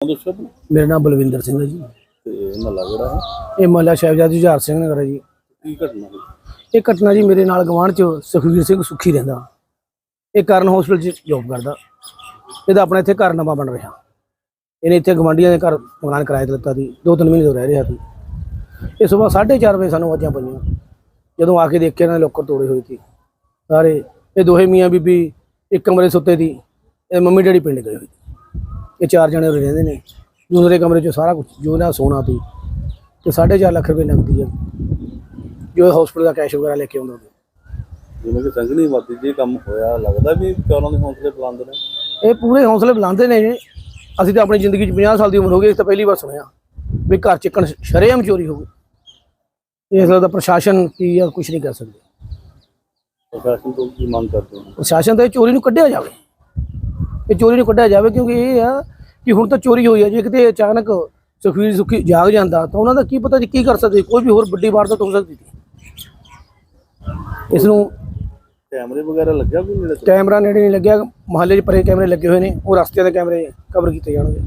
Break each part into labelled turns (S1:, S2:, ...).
S1: ਦੱਸੋ ਆਪਣਾ।
S2: मेरा नाम बलविंदर सिंह है जी।
S1: ਤੇ ਮਹੱਲਾ ਕਿਹੜਾ ਹੈ?
S2: ये महला साहिबजादा जुझार सिंह नगर है जी।
S1: ਕੀ ਘਟਨਾ ਹੋਈ?
S2: ये घटना जी मेरे नाल गवांढ च सुखवीर सिंह सुखी रहिंदा। ये कारण हॉस्पिटल च जॉब करदा। ਇਹਦਾ अपना इत्थे घर नवां बन रहा। ਇਹਨੇ ਇੱਥੇ ਗਵਾਂਢੀਆਂ ਦੇ ਘਰ मकान किराए ਤੇ ਲਿੱਤਾ ਸੀ। 2-3 ਮਹੀਨੇ ਤੋਂ ਰਹਿ ਰਿਹਾ ਸੀ। ਇਹ ਸਵੇਰ 4:30 ਵਜੇ ਸਾਨੂੰ ਆਵਾਜ਼ਾਂ ਪਈਆਂ। ਜਦੋਂ ਆ ਕੇ ਦੇਖਿਆ ਇਹਨਾਂ ਦੇ ਲੋਕਰ ਤੋੜੇ ਹੋਏ ਸੀ ਸਾਰੇ। ਇਹ ਦੋਹੇ ਮੀਆਂ ਬੀਬੀ ਇੱਕ ਕਮਰੇ ਸੁੱਤੇ ਸੀ। ਇਹ ਮੰਮੀ ਡੈਡੀ ਪਿੰਡ ਗਏ ਹੋਏ ਸੀ। ਇਹ 4 ਜਣੇ ਉਰੇ ਰਹਿੰਦੇ ਨੇ। दूसरे कमरे चो सारा कुछ जो ना सोना थी तो 4.5 लाख रुपये नकदी है जो हॉस्पिटल का कैश वगैरह लेके आउंदा।
S1: ਜਿਵੇਂ ਕਿ ਸੰਘਣੀ ਮਾਤੀ ਜੀ ਕੰਮ ਹੋਇਆ, ਲੱਗਦਾ ਵੀ ਉਹਨਾਂ ਦੇ ਹੌਸਲੇ ਬੁਲੰਦ ਨੇ।
S2: ਇਹ ਪੂਰੇ ਹੌਸਲੇ ਬੁਲੰਦ ਨੇ ਜੀ। ਅਸੀਂ ਤਾਂ ਆਪਣੀ ਜ਼ਿੰਦਗੀ 'ਚ 50 ਸਾਲ ਦੀ ਉਮਰ ਹੋ ਗਈ, ਇਸ ਤਾਂ ਪਹਿਲੀ ਵਾਰ ਸੁਣਿਆ ਵੀ ਘਰ ਚੱਕਣ ਸ਼ਰੇਆਮ ਚੋਰੀ ਹੋ ਗਈ। ਇਸ ਦਾ ਪ੍ਰਸ਼ਾਸਨ ਕੀ ਆ, ਕੁਝ ਨਹੀਂ ਕਰ ਸਕਦੇ।
S1: ਪ੍ਰਸ਼ਾਸਨ ਤੋਂ ਕੀ ਮੰਗ ਕਰਦੇ ਹੋ?
S2: ਪ੍ਰਸ਼ਾਸਨ ਤਾਂ ਇਹ ਚੋਰੀ ਨੂੰ ਕੱਢਿਆ ਜਾਵੇ। ਇਹ ਚੋਰੀ ਨੂੰ ਕੱਢਿਆ ਜਾਵੇ ਕਿਉਂਕਿ ਇਹ ਆ कि हुण तो चोरी हुई है। जे किते अचानक सुखवीर सुखी जाग जाता तो उन्होंने की पता जी की कर सकते, कोई भी होर बड़ी वारदात हो सकती थी। इसनूं
S1: कैमरे वगैरह लग्या कोई नेड़े?
S2: कैमरा नेड़े नहीं लग्या। महल्ले 'च परे कैमरे लगे हुए हैं, वो रस्ते के कैमरे कवर किए जाएंगे।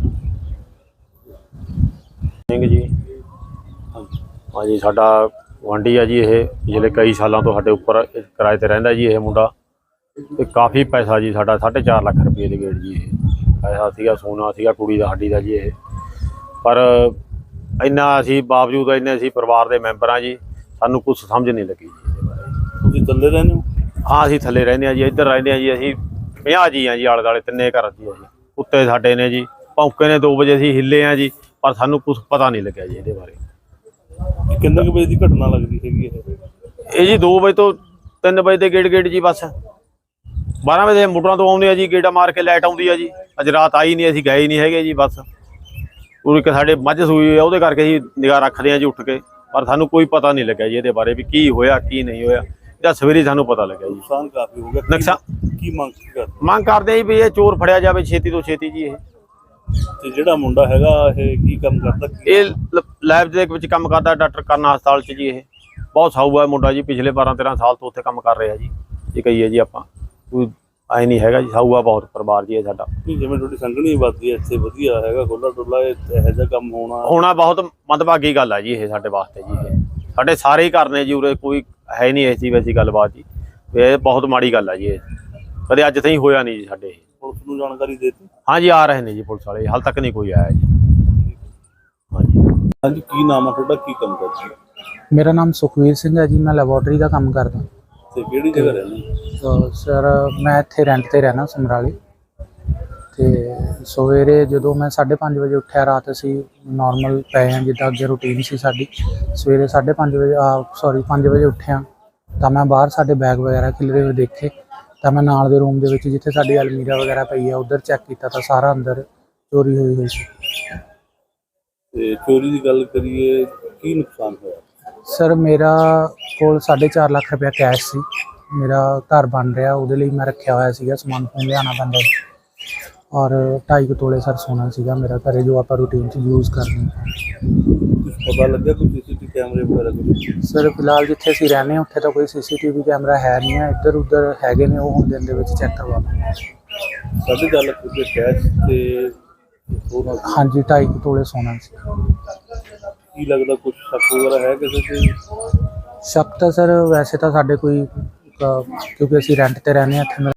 S3: ਸਿੰਘ ਜੀ ਹਾਂਜੀ, ਸਾਡਾ ਗੁਆਂਢੀ ਆ ਜੀ। ਇਹ ਪਿਛਲੇ ਕਈ ਸਾਲਾਂ ਤੋਂ ਸਾਡੇ ਉੱਪਰ ਕਿਰਾਏ ਤੇ ਰਹਿੰਦਾ ਜੀ। ਇਹ ਮੁੰਡਾ ਤੇ ਕਾਫੀ ਪੈਸਾ ਜੀ ਸਾਡਾ 4.5 ਲੱਖ ਰੁਪਏ ਦੇ ਗੇੜ ਜੀ। ਇਹ ਪੈਸਾ ਸੀਗਾ, ਸੋਨਾ ਸੀਗਾ ਕੁੜੀ ਦਾ, ਸਾਡੀ ਦਾ ਜੀ। ਇਹ ਪਰ ਇੰਨਾ ਅਸੀਂ ਬਾਵਜੂਦ ਇੰਨੇ ਅਸੀਂ ਪਰਿਵਾਰ ਦੇ ਮੈਂਬਰ ਹਾਂ ਜੀ, ਸਾਨੂੰ ਕੁਛ ਸਮਝ ਨਹੀਂ ਲੱਗੀ ਜੀ ਇਹਦੇ ਬਾਰੇ।
S1: ਤੁਸੀਂ ਥੱਲੇ ਰਹਿੰਦੇ ਹੋ?
S3: ਹਾਂ, ਅਸੀਂ ਥੱਲੇ ਰਹਿੰਦੇ ਹਾਂ ਜੀ। ਇੱਧਰ ਰਹਿੰਦੇ ਹਾਂ ਜੀ ਅਸੀਂ 50 ਜੀ ਹਾਂ ਜੀ, ਆਲੇ ਦੁਆਲੇ ਤਿੰਨੇ ਘਰ ਜੀ। ਅਸੀਂ ਕੁੱਤੇ ਸਾਡੇ ਨੇ ਜੀ, ਭੌਂਕੇ ਨੇ। 2 ਵਜੇ ਅਸੀਂ ਹਿੱਲੇ ਹਾਂ ਜੀ, ਪਰ ਸਾਨੂੰ ਕੁਛ ਪਤਾ ਨਹੀਂ ਲੱਗਿਆ ਜੀ ਇਹਦੇ ਬਾਰੇ।
S1: ਕਿੰਨੇ ਕੁ ਵਜੇ ਦੀ ਘਟਨਾ ਲੱਗਦੀ ਹੈਗੀ
S3: ਇਹ ਜੀ 2 ਵਜੇ ਤੋਂ 3 ਵਜੇ ਦੇ ਗੇੜ ਜੀ। ਬਸ 12 ਵਜੇ ਮੋਟਰਾਂ ਤੋਂ ਆਉਂਦੇ ਆ ਜੀ, ਗੇੜਾ ਮਾਰ ਕੇ ਲਾਈਟ ਆਉਂਦੀ ਆ ਜੀ। ਅੱਜ ਰਾਤ ਆਈ ਨਹੀਂ, ਅਸੀਂ ਗਏ ਨਹੀਂ ਹੈਗੇ ਜੀ। ਬਸ ਉਹ ਇੱਕ ਸਾਡੇ ਮੱਝ ਸੂਈ ਆ, ਉਹਦੇ ਕਰਕੇ ਅਸੀਂ ਨਿਗਾਹ ਰੱਖਦੇ ਆ ਜੀ ਉੱਠ ਕੇ, ਪਰ ਸਾਨੂੰ ਕੋਈ ਪਤਾ ਨਹੀਂ ਲੱਗਿਆ ਜੀ ਇਹਦੇ ਬਾਰੇ ਵੀ ਕੀ ਹੋਇਆ ਕੀ ਨਹੀਂ ਹੋਇਆ। ਇਹਦਾ ਸਵੇਰੇ ਸਾਨੂੰ ਪਤਾ ਲੱਗਿਆ ਜੀ।
S1: ਨੁਕਸਾਨ ਕਾਫੀ ਹੋ ਗਿਆ।
S3: ਨੁਕਸਾਨ
S1: ਕੀ ਕਰਦੇ?
S3: ਮੰਗ ਕਰਦੇ ਜੀ ਵੀ ਇਹ ਚੋਰ ਫੜਿਆ ਜਾਵੇ ਛੇਤੀ ਤੋਂ ਛੇਤੀ ਜੀ। ਇਹ
S1: ਤੇ ਜਿਹੜਾ ਮੁੰਡਾ ਹੈਗਾ ਇਹ ਕੀ ਕੰਮ ਕਰਦਾ?
S3: ਇਹ ਲੈਬ ਦੇ ਵਿੱਚ ਕੰਮ ਕਰਦਾ, ਡਾਕਟਰ ਕਰਨ ਹਸਪਤਾਲ 'ਚ ਜੀ। ਇਹ ਬਹੁਤ ਸਾਊ ਹੈ ਮੁੰਡਾ ਜੀ, ਪਿਛਲੇ 12-13 ਸਾਲ ਤੋਂ ਉੱਥੇ ਕੰਮ ਕਰ ਰਿਹਾ ਜੀ। ਇਹ ਕਹੀਏ ਜੀ ਆਪਾਂ, ਕੋਈ ਆਏ ਨਹੀਂ ਹੈਗਾ ਜੀ। ਸਾਊ ਆ ਬਹੁਤ ਪਰਿਵਾਰ ਜੀ ਇਹ ਸਾਡਾ।
S1: ਜਿਵੇਂ ਤੁਹਾਡੀ ਸੰਘਣੀ ਆਬਾਦੀ ਹੈ ਇੱਥੇ, ਵਧੀਆ ਹੈਗਾ ਖੁੱਲਾ ਡੁੱਲਾ, ਇਹੋ ਜਿਹਾ ਕੰਮ ਹੋਣਾ
S3: ਬਹੁਤ ਮੰਦਭਾਗੀ ਗੱਲ ਹੈ ਜੀ ਇਹ ਸਾਡੇ ਵਾਸਤੇ ਜੀ। ਇਹ ਸਾਡੇ ਸਾਰੇ ਹੀ ਘਰ ਨੇ ਜੀ, ਉਰੇ ਕੋਈ ਹੈ ਨਹੀਂ ਐਸੀ ਵੈਸੀ ਗੱਲਬਾਤ ਜੀ। ਇਹ ਬਹੁਤ ਮਾੜੀ ਗੱਲ ਹੈ ਜੀ। ਇਹ ਕਦੇ ਅੱਜ ਤਾਈਂ ਹੋਇਆ ਨਹੀਂ ਜੀ ਸਾਡੇ।
S1: ਪੁਲਿਸ ਨੂੰ ਜਾਣਕਾਰੀ ਦੇ ਦਿੱਤੀ?
S3: ਹਾਂਜੀ, ਆ ਰਹੇ ਨੇ ਜੀ ਪੁਲਿਸ ਵਾਲੇ, ਹਾਲ ਤੱਕ ਨਹੀਂ ਕੋਈ ਆਇਆ ਜੀ। ਹਾਂਜੀ
S1: ਹਾਂਜੀ, ਕੀ ਨਾਮ ਹੈ ਤੁਹਾਡਾ, ਕੀ ਕੰਮ ਕਰਦੇ ਹੋ?
S4: मेरा नाम सुखवीर सिंह है जी। मैं लैबोरेटरी का काम करदा।
S1: ਤੇ ਕਿਹੜੀ ਜਗ੍ਹਾ ਰਹਿੰਦੇ?
S4: तो सर मैं इत्थे रेंट ते रहना समराले। ਤੇ ਸਵੇਰੇ ਜਦੋਂ ਮੈਂ 5:30 ਵਜੇ ਉੱਠਿਆ, ਰਾਤ ਅਸੀਂ ਨੋਰਮਲ ਪਏ ਹਾਂ ਜਿੱਦਾਂ ਅੱਗੇ ਰੂਟੀਨ ਸੀ ਸਾਡੀ। ਸਵੇਰੇ 5:30 ਵਜੇ 5 ਵਜੇ ਉੱਠਿਆ ਤਾਂ ਮੈਂ ਬਾਹਰ ਸਾਡੇ ਬੈਗ ਵਗੈਰਾ ਖਿਲਰੇ ਹੋਏ ਦੇਖੇ। ਤਾਂ ਮੈਂ ਨਾਲ ਦੇ ਰੂਮ ਦੇ ਵਿੱਚ ਜਿੱਥੇ ਸਾਡੀ ਅਲਮੀਰਾ ਵਗੈਰਾ ਪਈ ਆ ਉੱਧਰ ਚੈੱਕ ਕੀਤਾ ਤਾਂ ਸਾਰਾ ਅੰਦਰ ਚੋਰੀ ਹੋਈ ਸੀ।
S1: ਤੇ ਚੋਰੀ ਦੀ ਗੱਲ ਕਰੀਏ, ਕੀ ਨੁਕਸਾਨ ਹੋਇਆ?
S4: ਸਰ ਮੇਰਾ ਕੋਲ 4.5 ਲੱਖ ਰੁਪਇਆ ਕੈਸ਼ ਸੀ। ਮੇਰਾ ਘਰ ਬਣ ਰਿਹਾ, ਉਹਦੇ ਲਈ ਮੈਂ ਰੱਖਿਆ ਹੋਇਆ ਸੀਗਾ ਸਮਾਨ, ਫੋਨ ਲਿਆਉਣਾ ਪੈਂਦਾ। ਔਰ 2.5 ਤੋਲੇ ਸਰ ਸੋਨਾ ਸੀਗਾ ਮੇਰਾ ਘਰੇ, ਜੋ ਆਪਾਂ ਰੂਟੀਨ 'ਚ ਯੂਜ਼ ਕਰਦੇ ਹਾਂ।
S1: ਕੁਝ ਪਤਾ ਲੱਗਿਆ ਕੋਈ CCTV ਕੈਮਰੇ ਵਗੈਰਾ ਕੁਝ?
S4: ਸਰ ਫਿਲਹਾਲ ਜਿੱਥੇ ਅਸੀਂ ਰਹਿੰਦੇ ਹਾਂ ਉੱਥੇ ਤਾਂ ਕੋਈ CCTV ਕੈਮਰਾ ਹੈ ਨਹੀਂ ਹੈ। ਇੱਧਰ ਉੱਧਰ ਹੈਗੇ ਨੇ, ਉਹ ਹੁਣ ਦਿਨ ਦੇ ਵਿੱਚ ਚੈੱਕ ਕਰਵਾਵਾਂਗੇ।
S1: 4.5 ਲੱਖ ਰੁਪਏ ਕੈਸ਼ ਤੇ ਸੋਨਾ?
S4: ਹਾਂਜੀ, 2.5 ਤੋਲੇ ਸੋਨਾ ਸੀ।
S1: ਕੀ ਲੱਗਦਾ ਕੁਝ ਸ਼ੱਕ ਵਗੈਰਾ ਹੈ ਕਿਸੇ ਤੇ?
S4: ਸ਼ੱਕ ਤਾਂ ਸਰ ਵੈਸੇ ਤਾਂ ਸਾਡੇ ਕੋਈ ਕਿਉਂਕਿ ਅਸੀਂ ਰੈਂਟ ਤੇ ਰਹਿੰਦੇ ਹਾਂ ਇੱਥੇ।